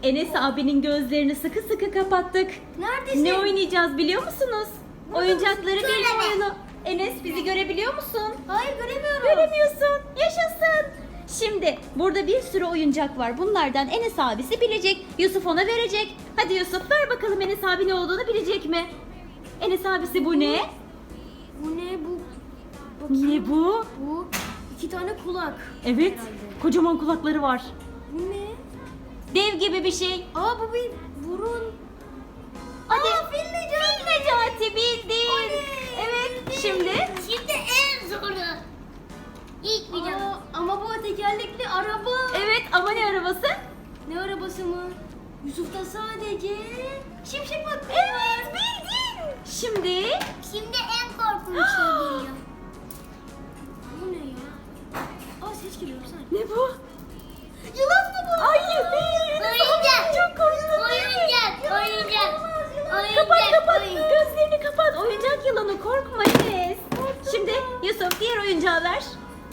Enes abinin gözlerini sıkı sıkı kapattık. Neredesin? Ne oynayacağız biliyor musunuz? Burada Oyuncakları mısın? bilme Göreme. oyunu. Enes bizi görebiliyor musun? Hayır göremiyorum. Göremiyorsun. Yaşasın. Şimdi burada bir sürü oyuncak var. Bunlardan Enes abisi bilecek. Yusuf ona verecek. Hadi Yusuf ver bakalım Enes abi ne olduğunu bilecek mi? Enes abisi bu ne? Bu ne bu? Ne bu? Bu 2 tane kulak. Evet. Herhalde. Kocaman kulakları var. Bu ne? Dev gibi bir şey. Aa bu bir burun. Hadi. Fil Necati. Fil Necati bildin. Oley. Evet. Şimdi Şimdi en zoru. İlk video. Aa, ama bu tekerlekli araba. evet ama ne arabası? Ne arabası mı? Yusuf'ta sadece şimşek McQueen Evet var. bildin. Şimdi Şimdi en korkunç şey geliyor. Bu ne ya? Aa ses geliyor bir saniye. ne bu? Yılan mı bu? Hayır değil. Oyuncak. Çok korktum. Oyuncak. Kapat kapat. Oyuncak. Gözlerini kapat. Oyuncak yılanı korkma Enes. Şimdi Yusuf diğer oyuncağı ver.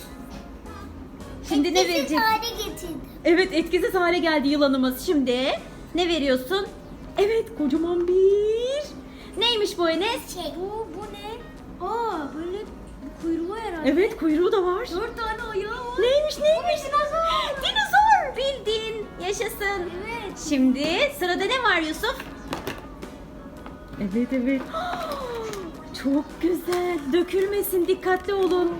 Şimdi ne Etkisiz vereceğiz? hale getirdim. Evet etkisiz hale geldi yılanımız. Şimdi ne veriyorsun? Evet kocaman bir. Neymiş bu Enes? Bu ne? Aa böyle kuyruğu herhalde. Evet kuyruğu da var. 4 tane ayağı var. Neymiş? Dinozor. Dinozor bildin. Yaşasın. Evet. Şimdi sırada ne var Yusuf? Evet evet. Çok güzel. Dökülmesin dikkatli olun.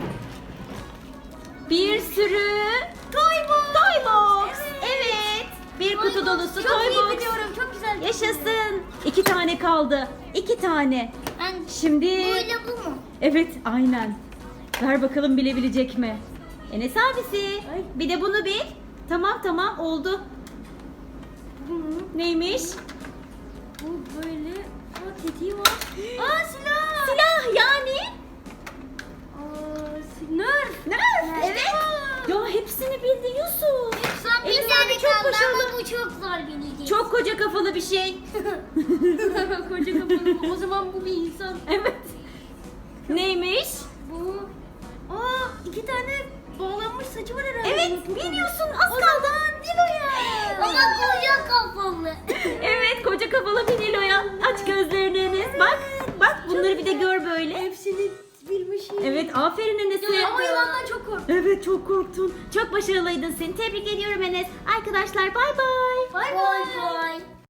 Bir sürü Toy box. Evet. Bir kutu dolusu Çok toy iyi box. biliyorum. Çok güzel. Yaşasın. 2 tane kaldı. 2 tane. Ben Şimdi böyle bu mu? evet aynen. Ver bakalım bilebilecek mi? Enes abisi. Ay. Bir de bunu bil. Tamam oldu. Bu mu? Neymiş? Bu böyle. Aa tetiği var. Aa silah. Silah yani. Aa nerf. Nerf. Evet. Ya hepsini bildi Yusuf. Son bir Enes tane abi çok kaldı başarılı. ama bu çok zor bilecek. Çok koca kafalı bir şey. Koca kafalı. O zaman bu bir insan. Evet. Neymiş? Bu. Aa 2 tane bağlanmış saçı var herhalde. Evet Bu biliyorsun az O kaldı. zaman Nilo'ya. Ama koca kafalı. Evet koca kafalı bir Nilo'ya. Aç gözlerini Enes. Bak bunları bir de gör böyle. Hepsini bilmişim. Evet aferin Enes'e. Ama yılandan çok korktum. Evet çok korktun. Çok başarılıydın seni. Tebrik ediyorum Enes. Arkadaşlar bay bay. Bay Boy bay. boy.